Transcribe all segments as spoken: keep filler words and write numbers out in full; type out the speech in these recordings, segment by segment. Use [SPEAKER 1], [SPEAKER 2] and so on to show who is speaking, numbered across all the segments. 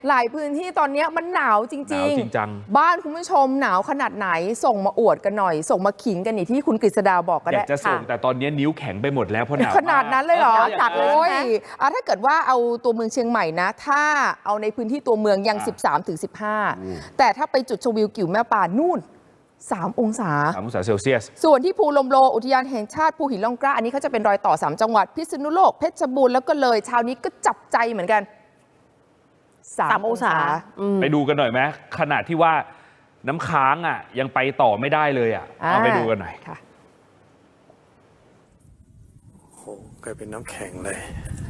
[SPEAKER 1] หลายพื้นที่ตอนนี้มันหนาวจริงๆหนาวจริงจังบ้านคุณผู้ชมหนาวขนาดไหนส่งมาอวดกันหน่อยส่งมาขิงกันนี่ที่คุณกฤษดาบอกก็ได้
[SPEAKER 2] อยากจะส่งแต่ตอนนี้นิ้วแข็งไปหมดแล้วเพราะหนาว
[SPEAKER 1] ขนาดนั้นเลยเหรอจัดเลยอ่ะถ้าเกิดว่าเอาตัวเมืองเชียงใหม่นะถ้าเอาในพื้นที่ตัวเมืองยัง สิบสามถึงสิบห้า แต่ถ้าไปจุดชมวิวกิ่วแม่ปานนู่นสามองศา
[SPEAKER 2] สามองศาเซลเซียส
[SPEAKER 1] ส่วนที่ภูลมโลอุทยานแห่งชาติภูหินร่องกล้าอันนี้เขาจะเป็นรอยต่อสามจังหวัดพิษณุโลกเพชรบูรณ์แล้วก็เลยเช้านี้ก็จับใจเหมือนกัน
[SPEAKER 3] สามองศา
[SPEAKER 2] ไปดูกันหน่อยไหมขนาดที่ว่าน้ำค้างอ่ะยังไปต่อไม่ได้เลยอ่ะเอาไปดูกันหน่อยค่ะ
[SPEAKER 4] โอ้กลายเป็นน้ำแข็งเลย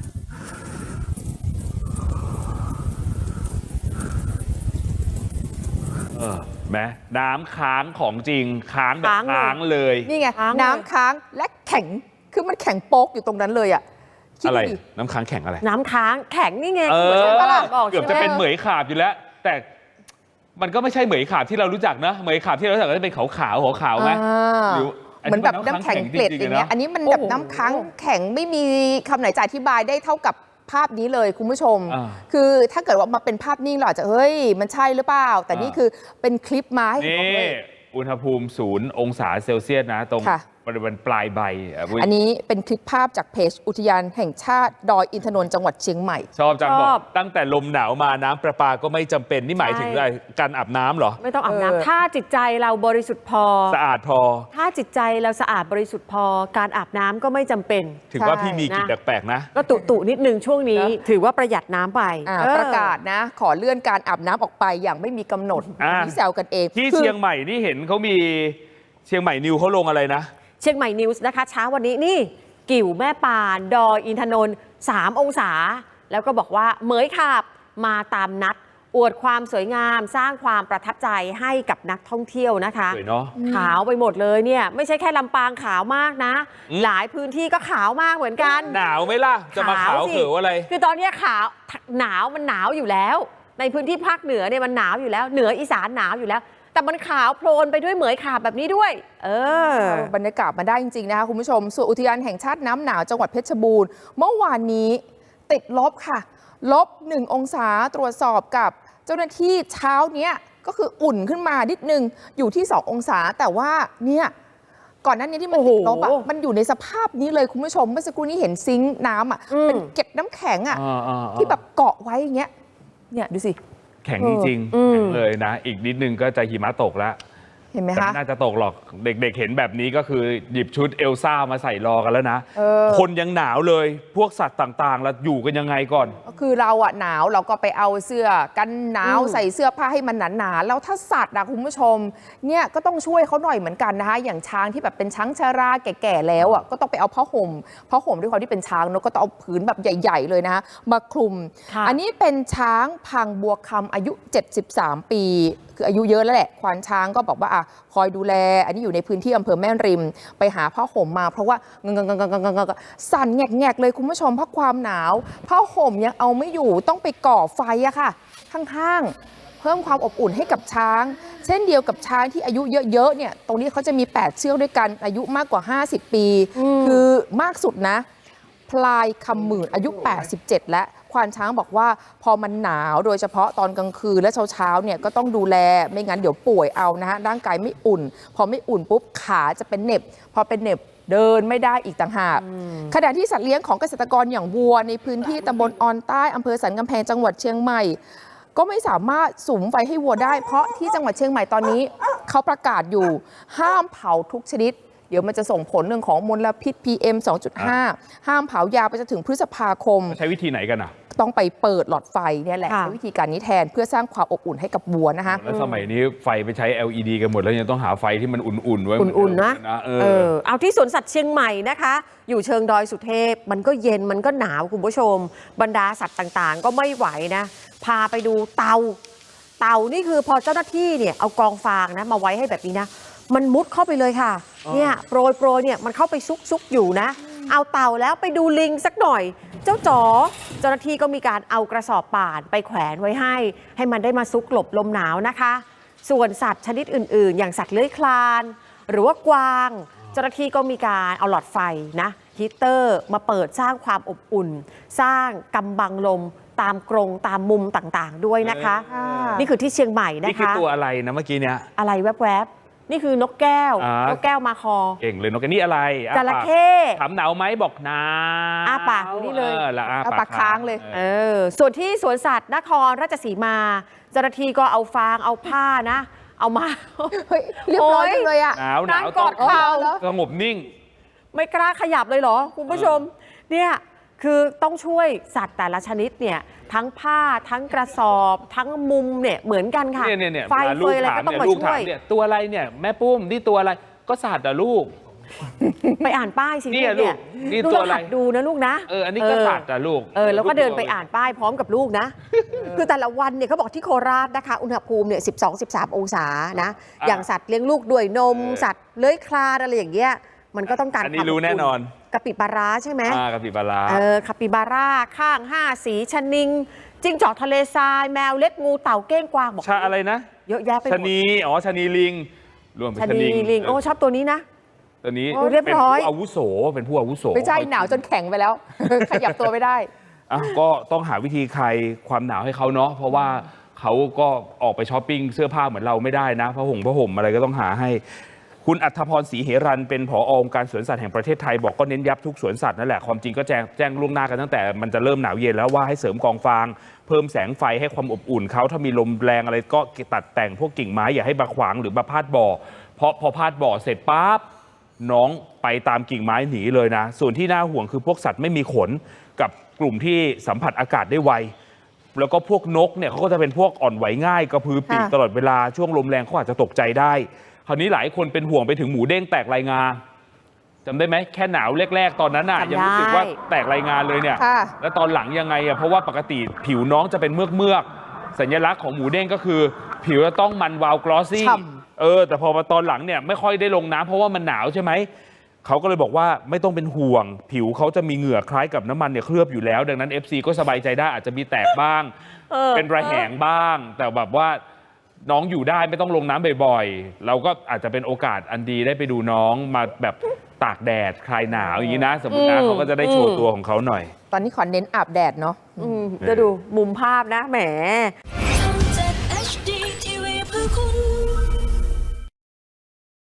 [SPEAKER 2] เออแม้น้ำค้างของจริงค้างแบบค้างเลย
[SPEAKER 1] นี่ไงน้ำค้างและแข็งคือมันแข็งโป๊กอยู่ตรงนั้นเลยอ่ะ
[SPEAKER 2] อะไรน้ำค้างแข็งอะไร
[SPEAKER 3] น้ำค้างแข็งนี่ไง
[SPEAKER 2] เออเกือบจะเป็นเหมยขาบอยู่แล้วแต่มันก็ไม่ใช่เหมยขาบที่เรารู้จักนะเหมยขาบที่เรารู้จักก็จะเป็นขาวขาวหัวขาวไหมหรือ
[SPEAKER 1] เหมือนแบบน้ำแข็งเกล็ดอย่างเงี้ยอันนี้มันแบบน้ำค้างแข็งไม่มีคำไหนจะอธิบายได้เท่ากับภาพนี้เลยคุณผู้ชมคือถ้าเกิดว่ามาเป็นภาพนิ่งเราอาจจะเฮ้ยมันใช่หรือเปล่าแต่นี่คือเป็นคลิปมาให้เห็นเลย
[SPEAKER 2] อุณหภูมิศูนย์องศาเซลเซียสนะตรงบริเวณปลายใบ
[SPEAKER 1] อันนี้เป็นคลิปภาพจากเพจอุทยานแห่งชาติดอยอินทนนท์จังหวัดเชียงใหม่
[SPEAKER 2] ชอบจังบอกตั้งแต่ลมหนาวมาน้ำประปาก็ไม่จำเป็นนี่หมายถึงอะไรการอาบน้ำเหรอ
[SPEAKER 3] ไม่ต้องอาบน้ำถ้าจิตใจเราบริสุทธิ์พอ
[SPEAKER 2] สะอาดพอ
[SPEAKER 3] ถ้าจิตใจเราสะอาดบริสุทธิ์พอการอาบน้ำก็ไม่จำเป็น
[SPEAKER 2] ถือว่าพี่มีกลิ่นแปลกๆนะ
[SPEAKER 3] ก็ตุตุนิดนึงช่วงนี้ถือว่าประหยัดน้ำไป
[SPEAKER 1] ประกาศนะขอเลื่อนการอาบน้ำออกไปอย่างไม่มีกำหนดนี่แซวกันเอง
[SPEAKER 2] ที่เชียงใหม่นี่เห็นเขามีเชียงใหม่นิวเขาลงอะไรนะ
[SPEAKER 3] เชียงใหม่นิวส์นะคะเช้าวันนี้นี่กิ่วแม่ปานดอยอินทนนท์สามองศาแล้วก็บอกว่าเหมยขาบมาตามนัดอวดความสวยงามสร้างความประทับใจให้กับนักท่องเที่ยวนะคะ
[SPEAKER 2] สวยเนาะ
[SPEAKER 3] ขาวไปหมดเลยเนี่ยไม่ใช่แค่ลำปางขาวมากนะหลายพื้นที่ก็ขาวมากเหมือนกัน
[SPEAKER 2] หนาวไหมล่ะจะมาขาวเขืออะไร
[SPEAKER 3] คือตอนนี้ขาวหนาวมันหนาวอยู่แล้วในพื้นที่ภาคเหนือเนี่ยมันหนาวอยู่แล้วเหนืออีสานหนาวอยู่แล้วแต่มันขาวโพลนไปด้วยเหมยขาบแบบนี้ด้วยเอ
[SPEAKER 1] อบรรยากาศมาได้จริงๆนะคะคุณผู้ชมส่วนอุทยานแห่งชาติน้ำหนาวจังหวัดเพชรบูรณ์เมื่อวานนี้ติดลบค่ะลบหนึ่งองศาตรวจสอบกับเจ้าหน้าที่เช้านี้ก็คืออุ่นขึ้นมานิดนึงอยู่ที่สององศาแต่ว่าเนี่ยก่อนหน้านี้ที่มันติดลบอ่ะมันอยู่ในสภาพนี้เลยคุณผู้ชมเมื่อสักครู่นี้เห็นซิงค์น้ำอ่ะเป็นเก็บน้ำแข็งอ่ะที่แบบเกาะไว้อย่างเงี้ยเนี่ยดูสิ
[SPEAKER 2] แข็งจริงๆเลยนะอีกนิดนึงก็จะหิมะตกแล้ว
[SPEAKER 1] เห็นไหมคะ
[SPEAKER 2] น่าจะตกหรอกเด็กๆเห็นแบบนี้ก็คือหยิบชุดเอลซ่ามาใส่รอกันแล้วนะคนยังหนาวเลยพวกสัตว์ต่างๆแล้วอยู่กันยังไงก่อน
[SPEAKER 1] ก็คือเราอะหนาวเราก็ไปเอาเสื้อกันหนาวใส่เสื้อผ้าให้มันหนาๆแล้วถ้าสัตว์นะคุณผู้ชมเนี่ยก็ต้องช่วยเขาหน่อยเหมือนกันนะคะอย่างช้างที่แบบเป็นช้างชราแก่ๆแล้วอะก็ต้องไปเอาผ้าห่มผ้าห่มด้วยความที่เป็นช้างเนอะก็ต้องเอาผืนแบบใหญ่ๆเลยนะมาคลุมอันนี้เป็นช้างพังบัวคำอายุเจ็ดสิบสามปีคืออายุเยอะแล้วแหละควานช้างก็บอกว่าอ่ะคอยดูแลอันนี้อยู่ในพื้นที่อำเภอแม่ริมไปหาผ้าห่มมาเพราะว่าเงงๆๆๆๆสั่นแงกๆเลยคุณผู้ชมเพราะความหนาวผ้าห่มยังเอาไม่อยู่ต้องไปก่อไฟอะค่ะข้างๆเพิ่มความอบอุ่นให้กับช้างเช่นเดียวกับช้างที่อายุเยอะๆเนี่ยตรงนี้เขาจะมีแปดเชือกด้วยกันอายุมากกว่าห้าสิบปีคือมากสุดนะพลายคำหมื่นอายุแปดสิบเจ็ดและควานช้างบอกว่าพอมันหนาวโดยเฉพาะตอนกลางคืนและเช้าๆเนี่ยก็ต้องดูแลไม่งั้นเดี๋ยวป่วยเอานะฮะร่างกายไม่อุ่นพอไม่อุ่นปุ๊บขาจะเป็นเหน็บพอเป็นเหน็บเดินไม่ได้อีกต่างหากขณะที่สัตว์เลี้ยงของเกษตรกรอย่างวัวในพื้นที่ตำบลออนใต้อำเภอสันกำแพงจังหวัดเชียงใหม่ก็ไม่สามารถสุมไฟให้วัวได้เพราะที่จังหวัดเชียงใหม่ตอนนี้เขาประกาศอยู่ห้ามเผาทุกชนิดเดี๋ยวมันจะส่งผลเรื่องของมลพิษ พี เอ็ม สองจุดห้า ห้ามเผายาวไปจนถึงพฤษภาคม
[SPEAKER 2] ใช้วิธีไหนกันอ่ะ
[SPEAKER 1] ต้องไปเปิดหลอดไฟเนี่ยแหละใช้วิธีการนี้แทนเพื่อสร้างความอบอุ่นให้กับวัวนะคะ
[SPEAKER 2] แล้วสมัยนี้ไฟไปใช้ แอล อี ดี กันหมดแล้วยังต้องหาไฟที่มันอุ่นๆไว้
[SPEAKER 3] อุ่นๆนะเออเอาที่สวนสัตว์เชียงใหม่นะคะอยู่เชิงดอยสุเทพมันก็เย็นมันก็หนาวคุณผู้ชมบรรดาสัตว์ต่างๆก็ไม่ไหวนะพาไปดูเตาเตานี่คือพอเจ้าหน้าที่เนี่ยเอากองฟางนะมาไว้ให้แบบนี้นะมันมุดเข้าไปเลยค่ะเนี่ยโปรยโปรยเนี่ยมันเข้าไปซุกซุกอยู่นะเอาเต่าแล้วไปดูลิงสักหน่อยเจ้าจ๋อเจ้าหน้าที่ก็มีการเอากระสอบป่านไปแขวนไว้ให้ให้มันได้มาซุกหลบลมหนาวนะคะส่วนสัตว์ชนิดอื่นๆอย่างสัตว์เลื้อยคลานหรือว่ากวางเจ้าหน้าที่ก็มีการเอาหลอดไฟนะฮีตเตอร์มาเปิดสร้างความอบอุ่นสร้างกำบังลมตามกรงตามมุมต่างๆด้วยนะคะ
[SPEAKER 1] ค่ะ
[SPEAKER 3] นี่คือที่เชียงใหม่นะคะ
[SPEAKER 2] นี่คือตัวอะไรนะเมื่อกี้เนี่ย
[SPEAKER 3] อะไรแวบๆนี่คือนกแก้ว
[SPEAKER 2] อ่าน
[SPEAKER 3] นกแก้วมาคอ
[SPEAKER 2] เก่งเลยนกแก้วนี่อะไรอ้า
[SPEAKER 3] จ
[SPEAKER 2] ปาก
[SPEAKER 3] ระเข้
[SPEAKER 2] ถามหนาวไหมบอกหนาว
[SPEAKER 3] อ้าปากอยู่นี่เลย
[SPEAKER 2] ออแล้วอ้า
[SPEAKER 1] เอาปากค้างเลย
[SPEAKER 3] เออส่วนที่สวนสัตว์นครราชสีมาเจ้าหน้าที่ก็เอาฟางเอาผ้านะ เอามา
[SPEAKER 1] เฮ้ยเรียบร้อยจังเลยอ่ะ
[SPEAKER 2] หนาวหนาว
[SPEAKER 3] นั่งกอด
[SPEAKER 2] ต้อง
[SPEAKER 3] เข่า
[SPEAKER 2] สงบนิ่ง
[SPEAKER 3] ไม่กล้าขยับเลยเหรอคุณผู้ชมเนี่ยคือต้องช่วยสัตว์แต่ละชนิดเนี่ยทั้งผ้าทั้งกระสอบทั้งมุมเนี่ยเหมือนกันค่ะ
[SPEAKER 2] เนี่ยเนี่ยเนี่ย
[SPEAKER 3] ไฟ
[SPEAKER 2] เวลา
[SPEAKER 3] เฟ
[SPEAKER 2] ลูก
[SPEAKER 3] ยอะไร
[SPEAKER 2] ถาม
[SPEAKER 3] ก็ต้อง
[SPEAKER 2] เนี่ย
[SPEAKER 3] มา
[SPEAKER 2] ลูก
[SPEAKER 3] ช่
[SPEAKER 2] ถา
[SPEAKER 3] วย
[SPEAKER 2] มเนี่ยตัวอะไรเนี่ยแม่ปุ้มนี่ตัวอะไรก็สัตว์อะลูก
[SPEAKER 3] ไปอ่านป้ายสิ
[SPEAKER 2] เนี่
[SPEAKER 3] ลู
[SPEAKER 2] ย
[SPEAKER 3] กเนี่ย
[SPEAKER 2] ลูกนี่
[SPEAKER 3] ลูก
[SPEAKER 2] ตัว
[SPEAKER 3] ต้อง
[SPEAKER 2] อะไร
[SPEAKER 3] หัดดูนะลูกนะ
[SPEAKER 2] เอออันนี้ก็สัตว์อะลูก
[SPEAKER 3] เออแล้วก็เดินไปอ่านป้ายพร้อมกับลูกนะ คือแต่ละวันเนี่ยเขาบอกที่โคราชนะคะอุณหภูมิเนี่ยสิบสอง สิบสาม องศานะ
[SPEAKER 2] อ่ะ
[SPEAKER 3] อย่างสัตว์เลี้ยงลูกด้วยนม
[SPEAKER 2] เออ
[SPEAKER 3] สัตว์เลื้อยคลานอะไรอย่างเงี้ยมันก็ต้องการ
[SPEAKER 2] อันนี้
[SPEAKER 3] ความ
[SPEAKER 2] รู้
[SPEAKER 3] บ
[SPEAKER 2] แน่นอน
[SPEAKER 3] กะปิปลาร้าใช่ไหม
[SPEAKER 2] อ่ากับปีบารา
[SPEAKER 3] เออคาปิบาร่าข้างห้าสีชะนิงจิ้งจอกทะเลทรายแมวเล็กงูเต่าเก้งกวางบอก
[SPEAKER 2] ชาอะไรนะ
[SPEAKER 3] เยอะแยะไปห
[SPEAKER 2] ชะ
[SPEAKER 3] มด
[SPEAKER 2] นีอ๋อชะนีลิงรวมเป็น
[SPEAKER 3] ชะ
[SPEAKER 2] ชะ
[SPEAKER 3] นี
[SPEAKER 2] นี
[SPEAKER 3] ลิงโอ้ชอบตัวนี้นะ
[SPEAKER 2] ตัวนี้
[SPEAKER 3] โอ้เรียบ
[SPEAKER 2] เป็น
[SPEAKER 3] ร้อย
[SPEAKER 2] ผู้อาวุโสเป็นผู้อาวุโส
[SPEAKER 1] ไม่ใช่หนาวจนแข็งไปแล้ว ขยับตัวไม่ได้
[SPEAKER 2] อ่ะก็ต้องหาวิธีคลายความหนาวให้เขาเนาะเพราะว่าเขาก็ออกไปช้อปปิ้งเสื้อผ้าเหมือนเราไม่ได้นะผ้าห่มผ้าห่มอะไรก็ต้องหาให้ คุณอัธพรศรีเหรัญเป็นผอองค์การสวนสัตว์แห่งประเทศไทยบอกก็เน้นย้ำทุกสวนสัตว์นั่นแหละความจริงก็แจ้งแจ้งล่วงหน้ากันตั้งแต่มันจะเริ่มหนาวเย็นแล้วว่าให้เสริมกองฟาง เพิ่มแสงไฟให้ความอบอุ่นเขาถ้ามีลมแรงอะไรก็ตัดแต่งพวกกิ่งไม้อย่าให้มาขวางหรือมาพาดบ่อเพราะพอพาดบ่อเสร็จปั๊บน้องไปตามกิ่งไม้หนีเลยนะส่วนที่น่าห่วงคือพวกสัตว์ไม่มีขนกับกลุ่มที่สัมผัสอากาศได้ไวแล้วก็พวกนกเนี่ยเขาก็จะเป็นพวกอ่อนไหวง่ายกระพือปีก
[SPEAKER 1] ค่ะ
[SPEAKER 2] ตลอดเวลาช่วงลมแรงเขาอาจจะตกใจได้คราวนี้หลายคนเป็นห่วงไปถึงหมูเด้งแตกลายงาจำได้ไหมแค่หนาวแรก ๆ ตอนนั้นน่ะ
[SPEAKER 3] จำได้
[SPEAKER 2] ยังรู้สึกว่าแตกลายงาเลยเนี่ย
[SPEAKER 1] ค่ะ
[SPEAKER 2] แล้วตอนหลังยังไงอ่ะเพราะว่าปกติผิวน้องจะเป็นเมือกเมือกๆสัญลักษณ์ของหมูเด้งก็คือ ผิวจะต้องมันวาวกลอสซี่
[SPEAKER 1] ฉ่
[SPEAKER 2] เออแต่พอมาตอนหลังเนี่ยไม่ค่อยได้ลงน้ำเพราะว่ามันหนาวใช่ไหมเขาก็เลยบอกว่าไม่ต้องเป็นห่วง ผิวเขาจะมีเหงื่อคล้ายกับน้ำมันเนี่ยเคลือบอยู่แล้ว ดังนั้น เอฟ ซี ก็สบายใจได้อาจจะมีแตกบ้าง
[SPEAKER 3] เออ
[SPEAKER 2] เป็นระแหงบ้าง แต่แบบว่าน้องอยู่ได้ไม่ต้องลงน้ำบ่อยๆ เราก็อาจจะเป็นโอกาสอันดีได้ไปดูน้องมาแบบตากแดดคลายหนาวอย่างนี้นะ สมมตินะ
[SPEAKER 3] อืม
[SPEAKER 2] เขาก็จะได้โชว์ตัวของเขาหน่อย
[SPEAKER 1] ตอนนี้ขอเน้นอาบแดดเนาะ
[SPEAKER 3] อืมจะดูมุมภาพนะแหม
[SPEAKER 5] ทำจาก เอช ดี ที วี เพื่อคุณ